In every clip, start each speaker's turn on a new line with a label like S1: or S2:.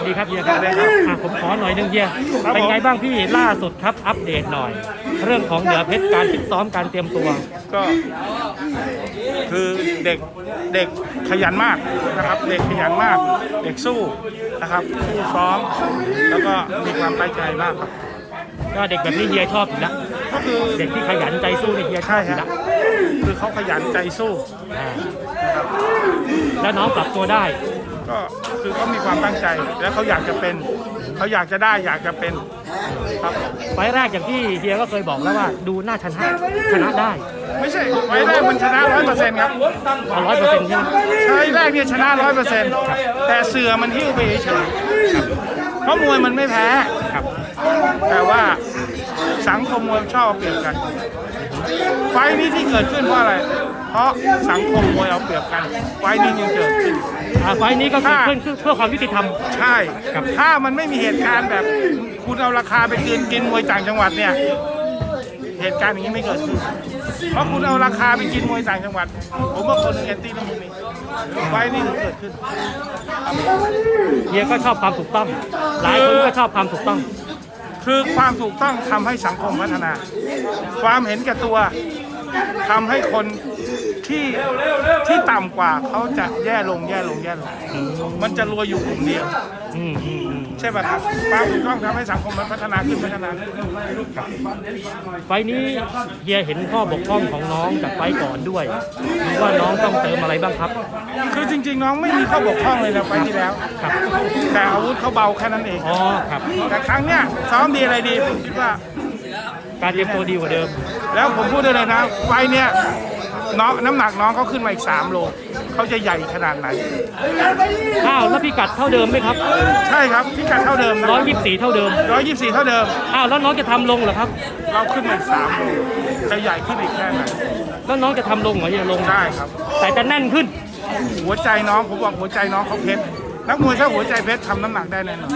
S1: ดีครับเฮียครับผมขอหน่อยนึงเฮียเป็นไงบ้างพี่ล่าสุดครับอัปเดตหน่อย เรื่องของเหนือเพชรการฟิตซ้อมการเตรียมตัว
S2: ก็คือเด็กขยันมากนะครับเด็กขยันมากเด็กสู้นะครับสู้ซ้อมแล้วก็มีความตั้งใจมากครับ
S1: ก็เด็กแบบนี้เฮียชอบอยู่แล้ว
S2: ก็คือ
S1: เด็กที่ขยันใจสู้นี่เฮียชอบอยู่แล้ว
S2: คือเขาขยันใจสู้
S1: นะครับแล้วน้องปรับตัวได้
S2: ก็คือเขามีความตั้งใจแล้วเขาอยากจะเป็นเขาอยากจะได้อยากจะเป็นครับ
S1: ไฟแรกอย่างที่เฮียก็เคยบอกแล้วว่าดูน่าชนะได้
S2: ไม่ใช่ไฟแรกมันชนะ 100% ครับ
S1: 100%ใช่ไหม
S2: ใช่แรกเนี่ยชนะ 100%แต่เสือมันหิ้วไปเฉยๆเพราะมวยมันไม่แพ้แต่ว่าสังคมมวยชอบเปรียบกันไฟนี้ที่เกิดขึ้นเพราะอะไรเพราะสังคมมวยเอาเปรียบกันไฟนี้ยังเกิดขึ้น
S1: ไฟนี้ก็เกิดขึ้นเพื่อความยุติธรรม
S2: ใช่ถ้ามันไม่มีเหตุการณ์แบบคุณเอาราคาไปกินมวยต่างจังหวัดเนี่ยเหตุการณ์อย่างนี้ไม่เกิดขึ้นเพราะคุณเอาราคาไปกินมวยต่างจังหวัดผมว่าคนแอนตี้ต้องมีไฟนี้ถึงเกิดขึ้น
S1: เฮียก็ชอบความถูกต้องหลายคนก็ชอบความถูกต้อง
S2: คือความถูกต้องทำให้สังคมพัฒนาความเห็นแก่ตัวทำให้คนที่ต่ำกว่าเขาจะแย่ลงมันจะรวยอยู่กลุ่มเดียวใช่ป่ะครับความถูกต้องทำให้สังคมมันพัฒนาขึ้น
S1: ไฟนี้เฮียเห็นข้อบกพร่องของน้องจากไฟก่อนด้วยหรือว่าน้องต้องเติมอะไรบ้างครับ
S2: คือจริงๆน้องไม่มีข้อบกพร่องเลยนะไฟที่แล้วแต่อาวุธเขาเบาแค่นั้นเองแต่ครั้งเนี้ยซ้อมดีอะไรดีผมคิดว่า
S1: การเตรียมตัวดีกว่าเดิม
S2: แล้วผมพูดได้เลยนะไฟเนี้ยน้ำหนักน้องเขาขึ้นมาอีก3 โลเขาจะใหญ่ขนาดไหน
S1: แล้วพิกัดเท่าเดิมไหมครับ
S2: ใช่ครับพิกัดเท่าเดิม
S1: 124เท่าเดิม
S2: 124เท่าเดิม
S1: แล้วน้องจะทำลงเหรอครับ
S2: เราขึ้นมาอีก3 โลจะใหญ่ขึ้นอีกแค่ไหน
S1: แล้วน้องจะทำลงเหรอจะลง
S2: ได้ครับ
S1: แต่จะแน่นขึ้น
S2: หัวใจน้องผมบอกหัวใจน้องเขาเพชรนักมวยถ้าหัวใจเพชรทำน้ำหนักได้แน่นอน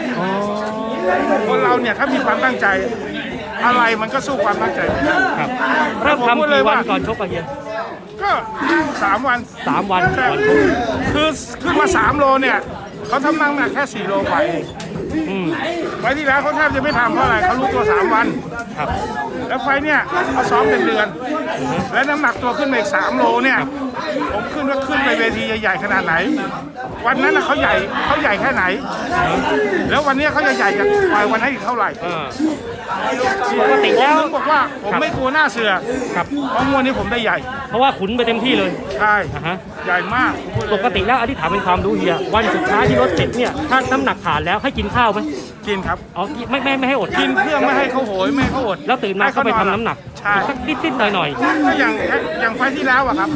S2: คนเราเนี่ยถ้ามีความตั้งใจอะไรมันก็สู้ความตั้งใจไม่ได้
S1: ครับเริ่มทำกี่วันก่อนชกอะเฮีย
S2: ก็3 วัน
S1: ก่อนชก
S2: คือขึ้นมา3 โลเนี่ยเขาทำน้ำหนักแค่4 โลกว่าเองไฟที่แล้วเขาแทบจะไม่ทำเพราะอะไรเขารู้ตัว3 วันแล้วไฟเนี่ยเขาซ้อมเป็นเดือนและน้ำหนักตัวขึ้นมาอีก3 โลเนี่ยผมขึ้นไปเวทีใหญ่ๆขนาดไหนวันนั้นเขาใหญ่แค่ไหนแล้ววันนี้เขาจะใหญ่จากวันนั้นอีกเท่าไหร่
S1: ปกติแล้ว
S2: บอกว่าผมไม่กลัวหน้าเสือเพราะมวยนี้ผมได้ใหญ่
S1: เพราะว่าขุนไปเต็มที่เลย
S2: ใช่ใหญ่มาก
S1: ปกติแล้วอธิษฐานเป็นความรู้เฮียวันสุดท้ายที่รถเสร็จเนี่ยถ้าน้ำหนักผ่านแล้วให้กินข้าวไหม
S2: กินครับ
S1: ไม่ให้อด
S2: กินเพื่อไม่ให้เขาโหยไม่ให้เขาอด
S1: แล้วตื่นมาเขาไปทำน้ำหนักสักนิดหน่อย
S2: ก็อย่างไฟที่แล้วอะครับ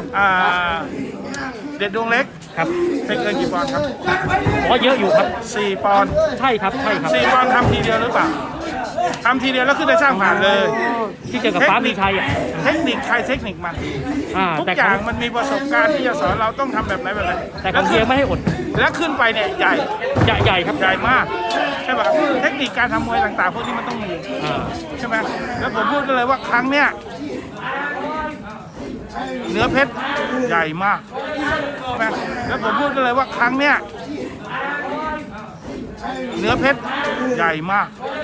S2: เด็ดดวงเล็ก
S1: ครับ
S2: เป็นเกินกี่ปอนด์ครับ
S1: เยอะอยู่ครับ
S2: 4 ปอนด์
S1: ใช่ครับ
S2: 4 ปอนด์ทำทีเดียวหรือเปล่าทำทีเดียวแล้วขึ้นได้ช่างผ่านเลย
S1: ที่เจอกับฟ้ามีชัย
S2: เทคนิคใครเทคนิคมันทุกอย่างมันมีประสบการณ์ที่จะสอนเราต้องทำแบบไหน
S1: แต่ก็เพียงไม่ให้อด
S2: แล้วขึ้นไปเนี่ยใหญ่
S1: ครับ
S2: ใหญ่มากใช่ป่ะเทคนิคการทำมวยต่างๆพวกนี้มันต้องมีใช่ไหมแล้วผมพูดเลยว่าครั้งเนี้ยเนื้อเพชรใหญ่มากใช่ไหมแล้วผมพูดเลยว่าครั้งเนี้ยเนื้อเพชรใหญ่มาก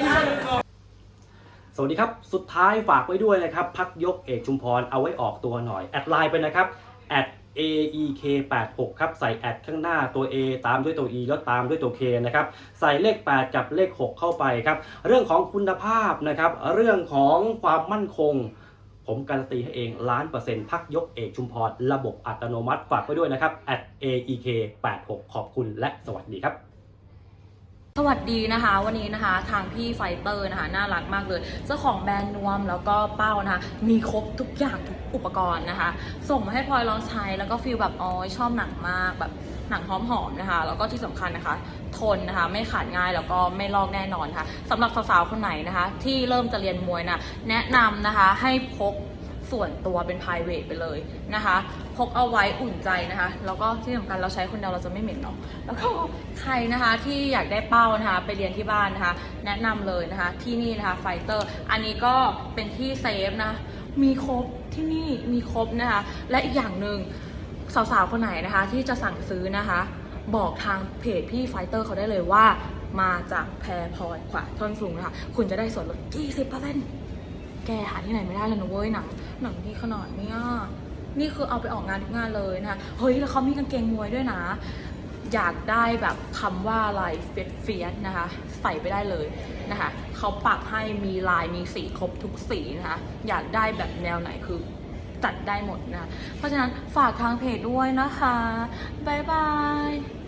S1: สวัสดีครับสุดท้ายฝากไว้ด้วยนะครับพักยกเอกชุมพรเอาไว้ออกตัวหน่อยแอดไลน์ไปนะครับ@aek86 ครับใส่แอดข้างหน้าตัว A ตามด้วยตัว E แล้วตามด้วยตัว K นะครับใส่เลข8กับเลข6เข้าไปครับเรื่องของคุณภาพนะครับเรื่องของความมั่นคงผมการันตีให้เอง1,000,000%พักยกเอกชุมพรระบบอัตโนมัติฝากไว้ด้วยนะครับ@aek86 ขอบคุณและสวัสดีครับ
S3: สวัสดีนะคะวันนี้นะคะทางพี่ไฟเตอร์นะคะน่ารักมากเลยเจ้าของแบรนด์นวมแล้วก็เป้านะคะมีครบทุกอย่างทุกอุปกรณ์นะคะส่งมาให้พลอยลองใช้แล้วก็ฟีลแบบชอบหนังมากแบบหนังหอมๆนะคะแล้วก็ที่สำคัญนะคะทนนะคะไม่ขาดง่ายแล้วก็ไม่ลอกแน่นอนค่ะสำหรับสาวๆคนไหนนะคะที่เริ่มจะเรียนมวยนะแนะนำนะคะให้พกส่วนตัวเป็น private ไปเลยนะคะพกเอาไว้อุ่นใจนะคะแล้วก็ที่สำคัญเราใช้คนเดียวเราจะไม่เหม็นเนาะแล้วก็ใครนะคะที่อยากได้เป้านะคะไปเรียนที่บ้านนะคะแนะนำเลยนะคะที่นี่นะคะไฟเตอร์อันนี้ก็เป็นที่เซฟนะมีครบที่นี่มีครบนะคะและอีกอย่างหนึ่งสาวๆคนไหนนะคะที่จะสั่งซื้อนะคะบอกทางเพจพี่ไฟเตอร์เขาได้เลยว่ามาจากแพรพลอยขวาท่อนสูงนะคะคุณจะได้ส่วนลด 20%แกหาที่ไหนไม่ได้เลยนะเว้ยหนังดีขนาดเนี้ยนี่คือเอาไปออกงานทุกงานเลยนะคะเฮ้ยแล้วเขามีกางเกงมวยด้วยนะอยากได้แบบคำว่าลายเฟียสนะคะใส่ไปได้เลยนะคะเขาปักให้มีลายมีสีครบทุกสีนะคะอยากได้แบบแนวไหนคือจัดได้หมดนะเพราะฉะนั้นฝากทางเพจด้วยนะคะบ๊ายบาย